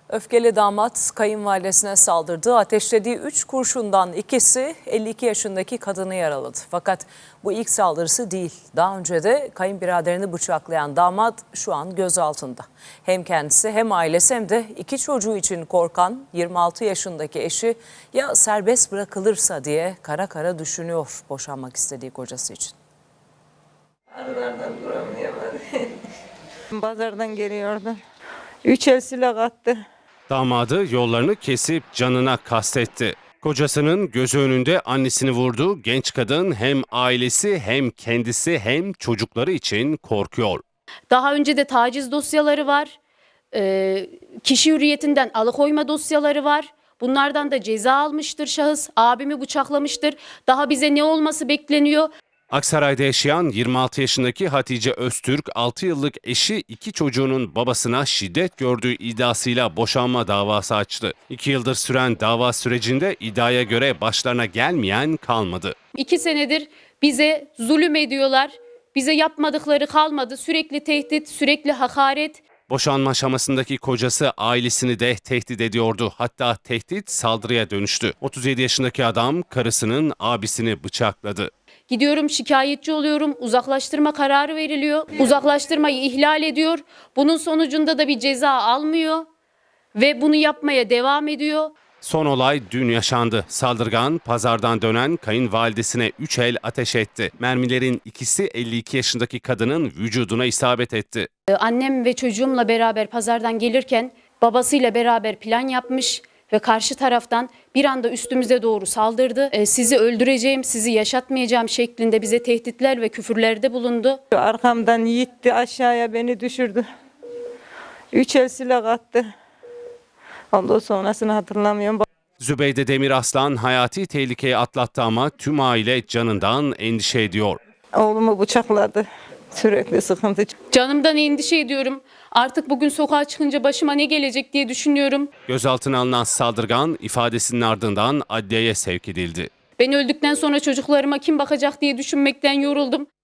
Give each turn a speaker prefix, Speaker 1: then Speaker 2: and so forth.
Speaker 1: Öfkeli damat kayınvalidesine saldırdı. Ateşlediği 3 kurşundan ikisi 52 yaşındaki kadını yaraladı. Fakat bu ilk saldırısı değil. Daha önce de kayınbiraderini bıçaklayan damat şu an gözaltında. Hem kendisi hem ailesi hem de 2 çocuğu için korkan 26 yaşındaki eşi ya serbest bırakılırsa diye kara kara düşünüyor boşanmak istediği kocası için.
Speaker 2: Arılardan duramıyorum. Pazardan geliyordu. 3 el silah attı.
Speaker 3: Damadı yollarını kesip canına kastetti. Kocasının gözü önünde annesini vurdu. Genç kadın hem ailesi hem kendisi hem çocukları için korkuyor.
Speaker 4: Daha önce de taciz dosyaları var. Kişi hürriyetinden alıkoyma dosyaları var. Bunlardan da ceza almıştır şahıs. Abimi bıçaklamıştır. Daha bize ne olması bekleniyor?
Speaker 3: Aksaray'da yaşayan 26 yaşındaki Hatice Öztürk, 6 yıllık eşi 2 çocuğunun babasına şiddet gördüğü iddiasıyla boşanma davası açtı. 2 yıldır süren dava sürecinde iddiaya göre başlarına gelmeyen kalmadı.
Speaker 4: 2 senedir bize zulüm ediyorlar. Bize yapmadıkları kalmadı. Sürekli tehdit, sürekli hakaret.
Speaker 3: Boşanma aşamasındaki kocası ailesini de tehdit ediyordu. Hatta tehdit saldırıya dönüştü. 37 yaşındaki adam karısının abisini bıçakladı.
Speaker 4: Gidiyorum şikayetçi oluyorum. Uzaklaştırma kararı veriliyor. Uzaklaştırmayı ihlal ediyor. Bunun sonucunda da bir ceza almıyor. Ve bunu yapmaya devam ediyor.
Speaker 3: Son olay dün yaşandı. Saldırgan pazardan dönen kayınvalidesine 3 el ateş etti. Mermilerin ikisi 52 yaşındaki kadının vücuduna isabet etti.
Speaker 4: Annem ve çocuğumla beraber pazardan gelirken babasıyla beraber plan yapmış ve karşı taraftan bir anda üstümüze doğru saldırdı. Sizi öldüreceğim, sizi yaşatmayacağım şeklinde bize tehditler ve küfürlerde bulundu.
Speaker 2: Arkamdan yitti, aşağıya beni düşürdü. 3 el silah attı. Ondan sonrasını hatırlamıyorum.
Speaker 3: Zübeyde Demiraslan hayati tehlikeyi atlattı ama tüm aile canından endişe ediyor.
Speaker 2: Oğlumu bıçakladı. Sürekli sıkıntı.
Speaker 4: Canımdan endişe ediyorum. Artık bugün sokağa çıkınca başıma ne gelecek diye düşünüyorum.
Speaker 3: Gözaltına alınan saldırgan ifadesinin ardından adliyeye sevk edildi.
Speaker 4: Ben öldükten sonra çocuklarıma kim bakacak diye düşünmekten yoruldum.